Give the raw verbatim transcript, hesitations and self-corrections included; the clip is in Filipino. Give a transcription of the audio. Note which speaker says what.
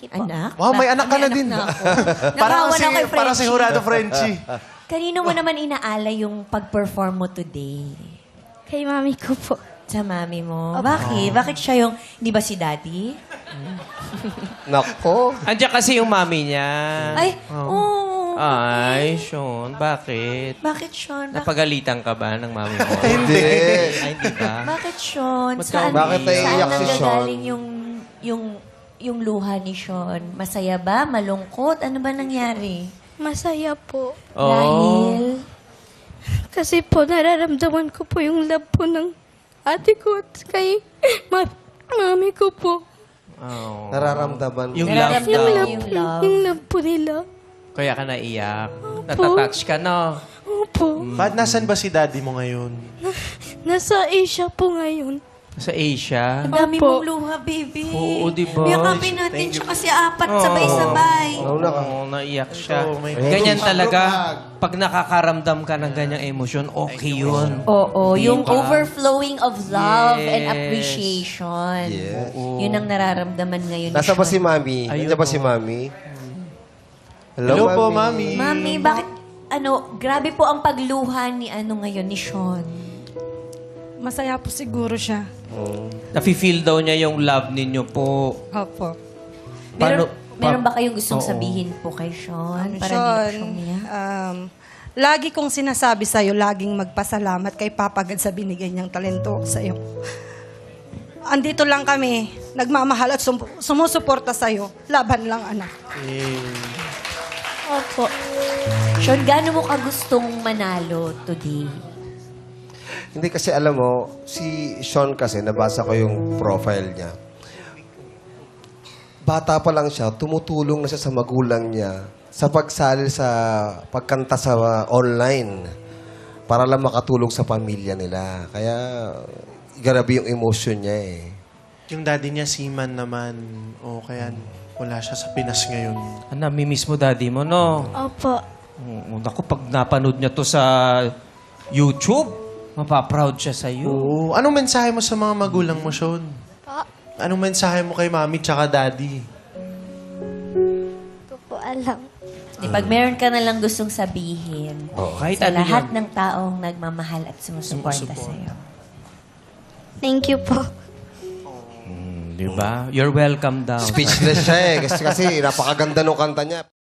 Speaker 1: po.
Speaker 2: Anak?
Speaker 3: Wow, may anak ka na din.
Speaker 2: na ako.
Speaker 3: Parang
Speaker 2: Nakawan
Speaker 3: si,
Speaker 2: ako kay
Speaker 3: parang si
Speaker 2: Frenchie.
Speaker 3: Jurado Frenchie.
Speaker 2: Kanino mo naman inaala yung pag-perform mo today?
Speaker 1: Kay mami ko po.
Speaker 2: Sa mami mo. Bakit? Bakit siya yung... Hindi ba si daddy?
Speaker 4: Nako.
Speaker 5: Andiyan kasi yung mami niya.
Speaker 2: Ay, oo.
Speaker 5: Ay, Sean, bakit?
Speaker 2: Bakit, Sean? Bak-
Speaker 5: Napagalitan ka ba ng mami mo?
Speaker 4: Hindi.
Speaker 5: Ay, hindi ba?
Speaker 2: bakit, Sean?
Speaker 5: Ba't
Speaker 2: Saan,
Speaker 5: ka-
Speaker 4: Bakit naiiyak
Speaker 2: saan
Speaker 4: si Sean?
Speaker 2: nanggagaling yung, yung, yung luha ni Sean? Masaya ba? Malungkot? Ano ba nangyari?
Speaker 1: Masaya po.
Speaker 5: Oo.
Speaker 2: Dahil...
Speaker 1: Kasi po, nararamdaman ko po yung love po ng ate ko at kay ma- mami ko po.
Speaker 5: Oo.
Speaker 4: Nararamdaman.
Speaker 5: Yung love
Speaker 2: Nararamdaman
Speaker 5: daw.
Speaker 2: mo
Speaker 1: love,
Speaker 2: yung
Speaker 1: po,
Speaker 2: love.
Speaker 1: yung love po nila.
Speaker 5: Kaya ka naiyak. Natatouch ka, no?
Speaker 1: Opo.
Speaker 3: Ba't nasan ba si daddy mo ngayon?
Speaker 1: Nasa Asia po ngayon.
Speaker 5: Sa Asia.
Speaker 2: Ang dami
Speaker 1: Opo.
Speaker 2: mong luha, baby.
Speaker 5: Oo, di ba?
Speaker 2: Yakapin natin siya kasi apat sabay-sabay.
Speaker 4: Ano na ka?
Speaker 5: Oo, naiyak siya.
Speaker 3: Oh, my
Speaker 5: Ganyan
Speaker 4: God.
Speaker 5: talaga. Pag nakakaramdam ka ng ganyang emosyon, okay yun.
Speaker 2: Oo,
Speaker 5: Di
Speaker 2: yung
Speaker 5: ba?
Speaker 2: overflowing of love and
Speaker 5: Yes.
Speaker 2: appreciation.
Speaker 4: Yes.
Speaker 2: Yun ang nararamdaman ngayon. ni
Speaker 4: Nasa ba
Speaker 2: Sean.
Speaker 4: si Mami?
Speaker 5: Ayun,
Speaker 4: Nandiyan ba
Speaker 5: oh.
Speaker 4: si Mami?
Speaker 3: Hello po, Mami.
Speaker 2: Mami, bakit, ano, grabe po ang pagluha ni, ano ngayon, ni Sean.
Speaker 6: Masaya po siguro siya.
Speaker 5: Nafe-feel daw niya yung love ninyo po.
Speaker 6: Opo.
Speaker 2: Meron,
Speaker 5: Paano-
Speaker 2: meron
Speaker 5: pa-
Speaker 2: ba kayong gustong
Speaker 5: Oo.
Speaker 2: sabihin po kay Sean? Para
Speaker 6: Sean,
Speaker 2: hindi po niya?
Speaker 6: um, lagi kong sinasabi sa'yo, laging magpasalamat kay Papa God sa binigay niyang talento sa'yo. Andito lang kami, nagmamahal at sum- sumusuporta sa'yo. Laban lang, anak.
Speaker 2: Opo. Sean, gaano mo ka gustong manalo today?
Speaker 4: Hindi kasi alam mo, si Sean kasi, nabasa ko yung profile niya. Bata pa lang siya, tumutulong na siya sa magulang niya sa pagsali sa pagkanta sa uh, online para lang makatulong sa pamilya nila. Kaya, grabe yung emotion niya eh.
Speaker 3: Yung daddy niya, seaman naman. O kaya wala siya sa Pinas ngayon.
Speaker 5: Ah, namimiss mo daddy mo, no?
Speaker 1: Opo.
Speaker 5: Oo, naku, pag napanood niya to sa YouTube, mapaproud siya sa iyo.
Speaker 3: Oo. Anong mensahe mo sa mga magulang mo, Sean?
Speaker 1: Pa,
Speaker 3: Anong mensahe mo kay mami tsaka daddy?
Speaker 1: ko po alam.
Speaker 2: Di, pag meron ka na lang gustong sabihin
Speaker 5: Kahit
Speaker 2: sa
Speaker 5: ano
Speaker 2: lahat
Speaker 5: yun.
Speaker 2: ng taong nagmamahal at sumusuporta sa iyo.
Speaker 1: Thank you po.
Speaker 5: Di ba? You're welcome daw.
Speaker 4: Speechless siya eh. Kasi, kasi napakaganda ng kanta niya.